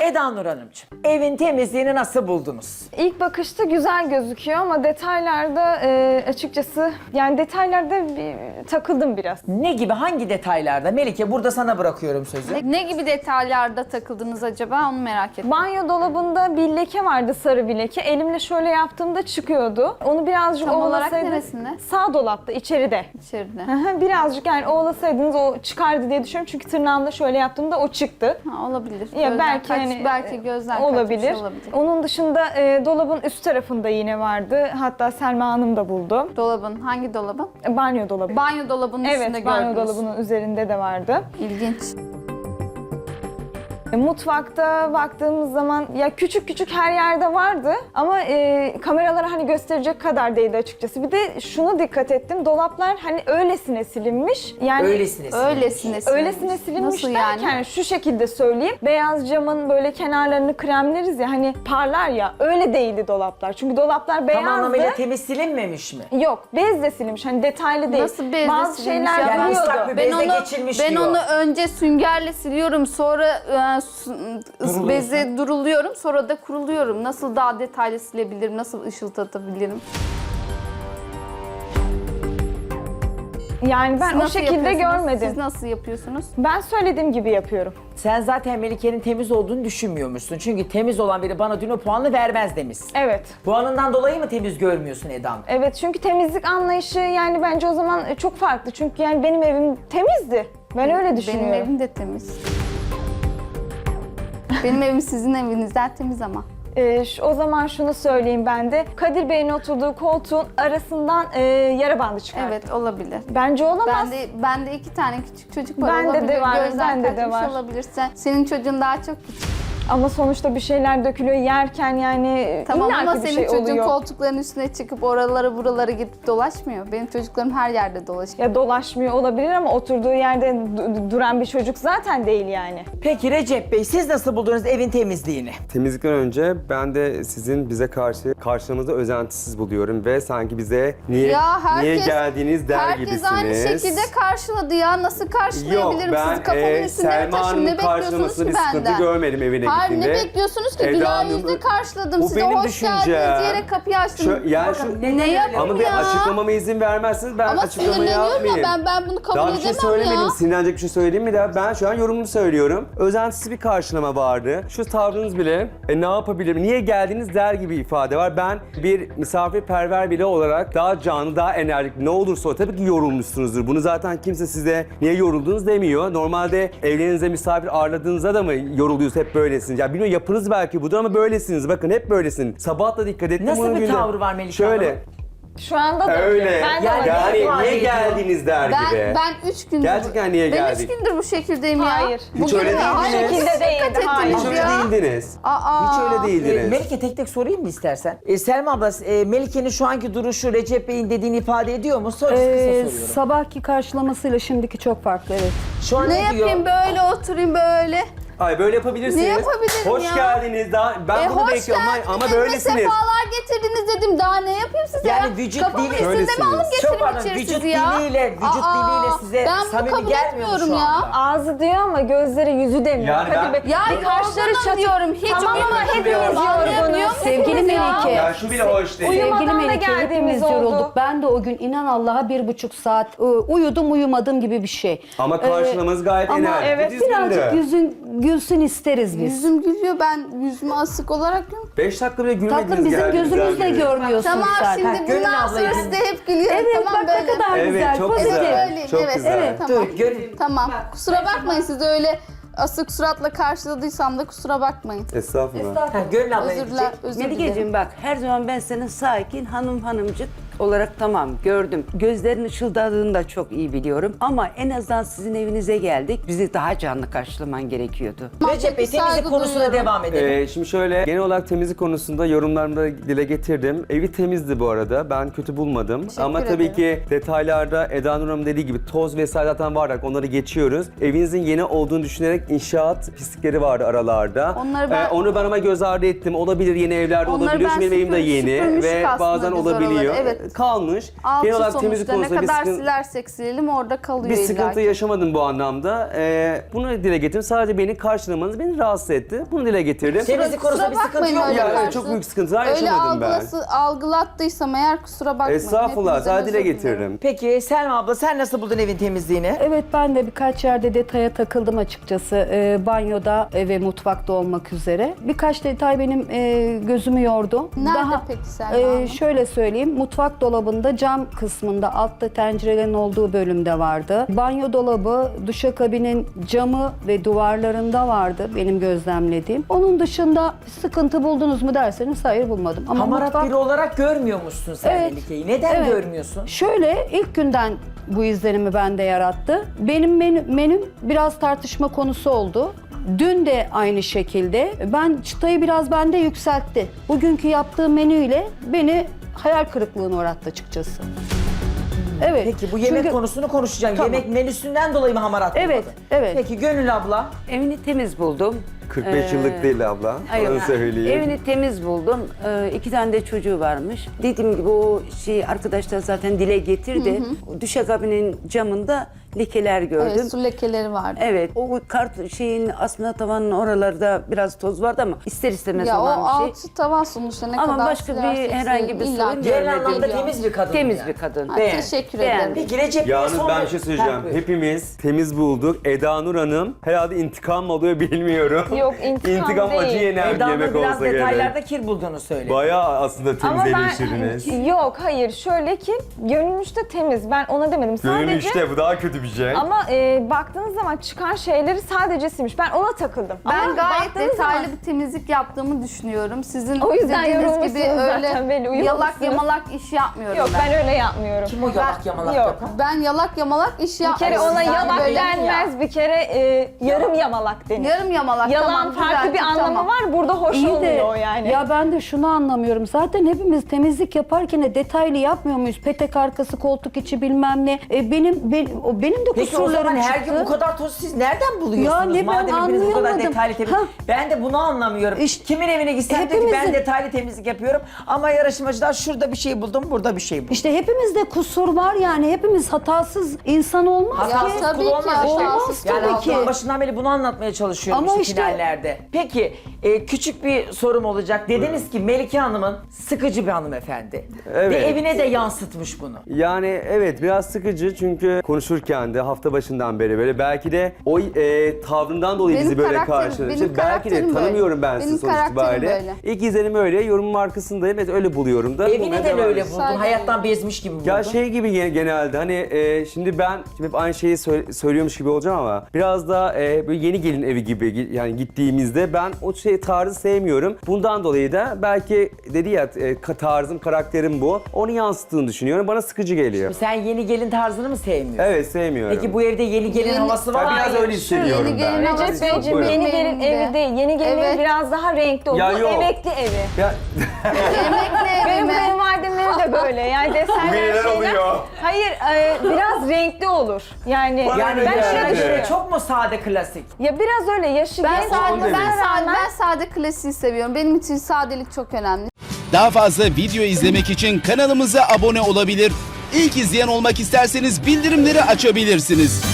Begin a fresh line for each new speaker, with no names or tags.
Eda Nur Hanımcığım, evin temizliğini nasıl buldunuz?
İlk bakışta güzel gözüküyor ama detaylarda açıkçası yani detaylarda takıldım biraz.
Ne gibi, hangi detaylarda? Melike, burada sana bırakıyorum sözü.
Ne gibi detaylarda takıldınız acaba onu merak ettim.
Banyo dolabında bir leke vardı, sarı bir leke. Elimle şöyle yaptığımda çıkıyordu. Onu birazcık
Tam olarak
ovalasaydım.
neresinde?
Sağ dolapta, içeride.
İçeride.
Birazcık yani ovalasaydınız o çıkardı diye düşünüyorum. Çünkü tırnağımla şöyle yaptığımda o çıktı.
Ha, olabilir.
Ya
Gözden
belki
belki gözden
olabilir.
kaçmış olabilir.
Onun dışında dolabın üst tarafında yine vardı. Hatta Selma Hanım da buldu.
Dolabın, hangi dolabın?
Banyo dolabı.
Banyo dolabının üstünde
Evet, banyo
gördünüz.
dolabının üzerinde de vardı.
İlginç.
Mutfakta baktığımız zaman ya küçük küçük her yerde vardı ama kameralara hani gösterecek kadar değildi açıkçası. Bir de şunu dikkat ettim. Dolaplar hani öylesine silinmiş. Yani
Öylesine.
öylesine silinmiş
Nasıl
derken
yani?
şu şekilde söyleyeyim. Beyaz camın böyle kenarlarını kremleriz ya hani parlar ya, öyle değildi dolaplar. Çünkü dolaplar
Tam
beyazdı.
anlamıyla temiz silinmemiş mi?
Yok, bezle silinmiş. Hani detaylı değil.
Nasıl bezle
Bazı
silinmiş
şeyler
ya?
Yani
duruyordu.
ıslak bir bezle geçilmiş
ben
diyor.
onu önce süngerle siliyorum, sonra
Duruluyorsun.
beze duruluyorum, sonra da kuruluyorum. Nasıl daha detaylı silebilirim, nasıl ışıldatabilirim?
Yani ben
Siz
o
nasıl
şekilde
yapıyorsunuz?
görmedim.
Siz nasıl yapıyorsunuz?
Ben söylediğim gibi yapıyorum.
Sen zaten Melike'nin temiz olduğunu düşünmüyormuşsun. Çünkü temiz olan biri bana dün o puanı vermez demişsin.
Evet.
Puanından dolayı mı temiz görmüyorsun Eda'm?
Evet, çünkü temizlik anlayışı yani bence o zaman çok farklı. Çünkü yani benim evim temizdi. Ben öyle düşünüyorum.
Benim evim de temiz. Benim evim sizin evinizden temiz ama.
O zaman şunu söyleyeyim ben de. Kadir Bey'in oturduğu koltuğun arasından yara bandı çıkardı.
Evet, olabilir.
Bence olamaz.
Ben de 2 tane küçük çocuk var.
Bende de
olabilir.
var,
Gözden
bende de
kaçmış
var.
olabilir. Senin çocuğun daha çok küçük.
Ama sonuçta bir şeyler dökülüyor yerken yani
Tamam
illaki
ama
bir
senin
şey
çocuğun
oluyor.
koltukların üstüne çıkıp oralara buralara gidip dolaşmıyor. Benim çocuklarım her yerde dolaşıyor.
Ya dolaşmıyor olabilir ama oturduğu yerde duran bir çocuk zaten değil yani.
Peki Recep Bey, siz nasıl buldunuz evin temizliğini?
Temizlikten önce ben de sizin bize karşılamanızı özentisiz buluyorum ve sanki bize niye geldiniz der
herkes
gibisiniz.
aynı şekilde karşıladı ya. Nasıl karşılayabilirim sizi? Kafamın üstünde mi
Selma
taşım? Ne
Hanım'ın
bekliyorsunuz
karşılamasında
ki
bir sıkıntı
benden?
görmedim evine
Hayır, ne
gittiğinde.
bekliyorsunuz ki?
Eda
Güler
Hanım,
yüzle karşıladım
bu
sizi.
benim
Hoş
düşüncem.
geldiniz diyerek kapıyı açtım.
Yani
Ne yapayım
ama bir
ya?
açıklamama izin vermezseniz ben
Ama
açıklama
sinirleniyorum
yapmayayım.
ya, ben bunu kabul
Daha bir
edemem
şey söylemedim.
ya.
Sinirlenecek bir şey söyleyeyim mi daha? Ben şu an yorumumu söylüyorum. Özentisiz bir karşılama vardı. Şu tavrınız bile ne yapabilirim, niye geldiniz der gibi ifade var. Ben bir misafirperver biri olarak daha canlı, daha enerjik ne olursa o tabii ki yorulmuşsunuzdur. Bunu zaten kimse size niye yoruldunuz demiyor. Normalde evlerinize misafir ağırladığınızda da mı yoruluyorsunuz, hep böylesiniz? Ya bilmiyorum, yapınız belki budur ama böylesiniz. Bakın hep böylesiniz. Sabah da dikkat ettim.
Nasıl
bunun
bir
günde.
tavrı var Melike
Şöyle.
Hanım'ın?
Şu anda da
Öyle.
Ben de
Yani-
öyle.
Yani
ifade
niye
ediyor.
geldiniz der gibi.
Ben 3 gündür...
Gerçekten niye
Ben
geldik?
3 gündür bu şekildeyim ya.
Hayır.
Hiç öyle
mi? Hayır,
değildiniz.
Bu şekilde değildi,
dikkat
hayır.
ettiniz
Hiç öyle
ya.
değildiniz.
Aa.
Hiç öyle değildiniz.
Melike, tek tek sorayım mı istersen? Selma abla, Melike'nin şu anki duruşu Recep Bey'in dediğini ifade ediyor mu? Kısa soruyorum.
Sabahki karşılamasıyla şimdiki çok farklı, evet.
Şu an
Ne
ne diyor?
yapayım, böyle oturayım böyle.
Hayır, böyle yapabilirsiniz.
Ne yapabilirim
Hoş
ya?
geldiniz. Ben bunu
Hoş
bekliyorum
geldiniz,
ama
evime
böylesiniz.
sefalar getirdiniz dedim. Daha ne yapayım size ya?
Yani vücut
Kafamın
dili-
üstünde mi
Öylesiniz.
alıp
Çok
getireyim
pardon,
içeri
vücut
sizi ya?
diliyle size
ben bunu
samimi
kabul
gelmiyor mu
etmiyorum
şu
ya.
anda?
Ağzı diyor ama gözleri yüzü demiyor.
Yani
Kadir
ben-
Bey,
Ya
kaşları
yorgunum
çatık.
diyorum. Hiç
Tamam ama
uyumuyorum.
hepimiz
Anlayabiliyor
yorgunuz.
musunuz
Sevgili
ya?
Melike.
Ya şu bile hoş değil.
Uyumadan
Sevgili
da
Melike,
geldiğimiz
hepimiz
oldu.
yorulduk. Ben de o gün inan Allah'a 1,5 saat uyudum uyumadım gibi bir şey.
Ama karşılamanız gayet
Ama
enerjik.
evet,
birazcık yüzün gülsün isteriz biz.
Yüzüm gülüyor, ben yüzümü asık olarak görüyorum.
5 dakika bile gülmediniz.
Tatlım, bizim
geldiğinizden
gözümüzle
beri.
görmüyorsun
Tamam,
sen.
şimdi
Gönül
bundan
ablayı
sonra
dinle.
size hep gülüyorum.
Evet,
Tamam,
bak ne
böyle.
kadar
Evet,
güzel,
çok
pozitif.
güzel.
Öyleyim,
Çok
evet,
güzel.
evet, tamam.
Dur, gönül.
Tamam. Kusura bakmayın, sizi öyle asık suratla karşıladıysam da kusura bakmayın.
Estağfurullah.
Gönül abla
Özür dilerim. Özür dilerim.
Melikeciğim bak, her zaman ben senin sakin hanımcık olarak tamam gördüm. Gözlerin ışıldadığını da çok iyi biliyorum. Ama en azından sizin evinize geldik. Bizi daha canlı karşılaman gerekiyordu.
Recep Bey,
Saygı
temizlik konusuna
duyuyorum.
devam edelim.
Şimdi şöyle, genel olarak temizlik konusunda yorumlarımda dile getirdim. Evi temizdi bu arada. Ben kötü bulmadım. Ama tabii
ederim.
ki detaylarda Eda Nur Hanım dediği gibi toz vesaire zaten var. Onları geçiyoruz. Evinizin yeni olduğunu düşünerek inşaat pislikleri vardı aralarda.
Onları ben-
Onu ben ama göz ardı ettim. Olabilir, yeni evlerde
Onları
olabiliyor.
ben
Çünkü benim evim de yeni
süpürmüştük
ve
aslında
bazen
biz
olabiliyor.
oraları. Evet,
kalmış.
Altı
Genel olarak temizlik
sonuçta ne
konusunda bir
kadar
sıkıntı,
silersek silelim orada kalıyor
bir
illa
sıkıntı
ki.
yaşamadım bu anlamda. Bunu dile getirdim. Sadece beni karşılamanız beni rahatsız etti. Bunu dile getirdim.
Temizlik konusunda bir sıkıntı
bakmayın
yok.
öyle
Ya,
yani.
evet, çok büyük sıkıntılar
Öyle
yaşamadım ben.
algılattıysam eğer kusura bakmayın.
Estağfurullah.
Hepinizden
Sadece dile
özür dilerim.
getiririm.
Peki Selma abla sen nasıl buldun evin temizliğini?
Evet, ben de birkaç yerde detaya takıldım açıkçası. Banyoda ve mutfakta olmak üzere. Birkaç detay benim gözümü yordu.
Nerede peki Selma Hanım?
Şöyle söyleyeyim, mutfak dolabında cam kısmında altta tencerelerin olduğu bölümde vardı. Banyo dolabı, duşakabinin camı ve duvarlarında vardı benim gözlemlediğim. Onun dışında sıkıntı buldunuz mu derseniz hayır bulmadım. Ama
Hamarat biri olarak görmüyormuşsun sen
Evet.
Melike'yi. Neden
Evet.
görmüyorsun?
Şöyle, ilk günden bu izlenimi bende yarattı. Benim menüm biraz tartışma konusu oldu. Dün de aynı şekilde. Ben çıtayı biraz bende yükseltti. Bugünkü yaptığım menüyle beni hayal kırıklığına uğrattı açıkçası. Evet.
Peki bu yemek
Çünkü-
konusunu konuşacağım.
Tamam.
Yemek menüsünden dolayı mı hamarat
Evet,
bulmadın?
evet.
Peki Gönül abla?
Evini temiz buldum.
45 yıllık değil abla.
Hayır,
Onu söyleyeyim.
evini temiz buldum. 2 tane de çocuğu varmış. Dediğim gibi o arkadaşlar zaten dile getirdi. Duşakabinin camında lekeler gördüm.
Evet, su lekeleri vardı.
Evet, o aslında tavanın oralarda biraz toz vardı ama ister istemez
Ya o
olan bir şey.
altı tavan sonuçta ne
Ama
kadar
başka bir
silersek
herhangi bir
silelim, illa
sorun
ki
Genel
görmedim.
anlamda
geliyor.
temiz bir kadın.
Temiz
yani.
bir kadın.
Ha,
Beğen.
teşekkür
Beğen.
ederim.
Peki Recep Bey
Yalnız
son
ben bir şey söyleyeceğim.
Ha, buyur.
Hepimiz temiz bulduk. Eda Nur Hanım herhalde intikam mı oluyor bilmiyorum.
Yok, intikam değil.
acı yenen bir
Eda Nur
yemek
biraz
olsa gerek.
detaylarda kir bulduğunu söyledi.
Bayağı aslında temiz
Ama
eleştirdiniz.
yok, hayır, şöyle ki gönül de temiz, ben ona demedim
Gönül
sadece.
işte bu daha kötü bir şey.
Ama baktığınız zaman çıkan şeyleri sadece silmiş. Ben ona takıldım.
Ben
Ama
gayet
baktığınız
detaylı
zaman-
bir temizlik yaptığımı düşünüyorum. Sizin
O yüzden
dediğiniz
yorulmuşsunuz
gibi öyle
zaten, belli, uyumuşsunuz.
yalak yamalak iş yapmıyorum
Yok,
ben.
ben öyle yapmıyorum.
Kim o yalak yamalak
Yok.
yapan?
Ben yalak yamalak iş
Bir kere
yapmıyorum.
ona
Yani
yalak
böyle
denmez, bir kere yarım yamalak denir.
Yarım yamalak.
Yalan
tamam,
farklı bir
düzelttim,
anlamı
tamam.
var, burada hoş
İyi de,
olmuyor yani.
ya ben de şunu anlamıyorum. Zaten hepimiz temizlik yaparken de detaylı yapmıyor muyuz? Petek arkası, koltuk içi bilmem ne. Benim de
Peki o
kusurlarım
zaman her
çıktı.
gün bu kadar toz siz nereden buluyorsunuz?
Ya ne, ben
Madem hepiniz bu kadar
anlayamadım.
detaylı temizlik.
Ha.
Ben de bunu anlamıyorum.
İşte
Kimin evine gitsem diyor ki ben
hepimizin-
detaylı temizlik yapıyorum. Ama yarışmacılar şurada bir şey buldum, burada bir şey buldum.
İşte hepimizde kusur var yani. Hepimiz hatasız insan olmaz
Ya
ki.
tabii
kul
ki,
olmaz işte.
olmaz
Yani
tabii
haftanın
ki.
başından beri bunu anlatmaya çalışıyorum
Ama
işte
işte-
finallerde. Peki küçük bir sorum olacak. Dediniz ki Melike Hanım'ın sıkıcı bir hanımefendi.
Evet.
Ve evine de yansıtmış bunu.
Yani evet biraz sıkıcı çünkü konuşurken de hafta başından beri böyle belki de o tavrından dolayı
Benim
bizi böyle
karakterim-
karşıladı.
benim
Belki de
karakterim
tanımıyorum
böyle.
ben sizi
Benim
sonuç
karakterim
itibariyle.
böyle.
İlk izlenim öyle, yorumun arkasındayım. Evet öyle buluyorum da.
Evi
bulmaya
neden
devam
öyle
ediyorum.
buldun?
Sadece-
Hayattan bezmiş gibi buldun.
Ya şey gibi genelde hani şimdi ben hep aynı şeyi söylüyormuş gibi olacağım ama biraz da böyle yeni gelin evi gibi yani gittiğimizde ben o tarzı sevmiyorum. Bundan dolayı da belki dedi ya tarzım, karakterim bu. Onu yansıttığını düşünüyorum. Bana sıkıcı geliyor.
Sen yeni gelin tarzını mı sevmiyorsun?
Evet sevmiyorum.
Peki bu evde yeni gelin
Yeni-
havası var
Ben
mı?
biraz öyle hissediyorum
Yeni
ben.
gelin havası
Recep
yok.
Beyciğim,
Buyurun.
yeni gelin
Benim de.
evi değil, yeni gelin
Evet.
evi biraz daha renkli olur.
Ya
Bu
yok.
emekli evi.
Ya
Emekli
Benim
evime.
kayınvalidemleri de böyle, yani desenler
Neler
şeyler.
oluyor?
Hayır, biraz renkli olur. Yani
Yani
ben öyle
yaşına göre
düşünüyorum.
çok mu sade klasik?
Ya biraz öyle yaşı
Ben
genç
sade,
olmasına rağmen
ben sade klasiği seviyorum. Benim için sadelik çok önemli.
Daha fazla video izlemek için kanalımıza abone olabilir. İlk izleyen olmak isterseniz bildirimleri açabilirsiniz.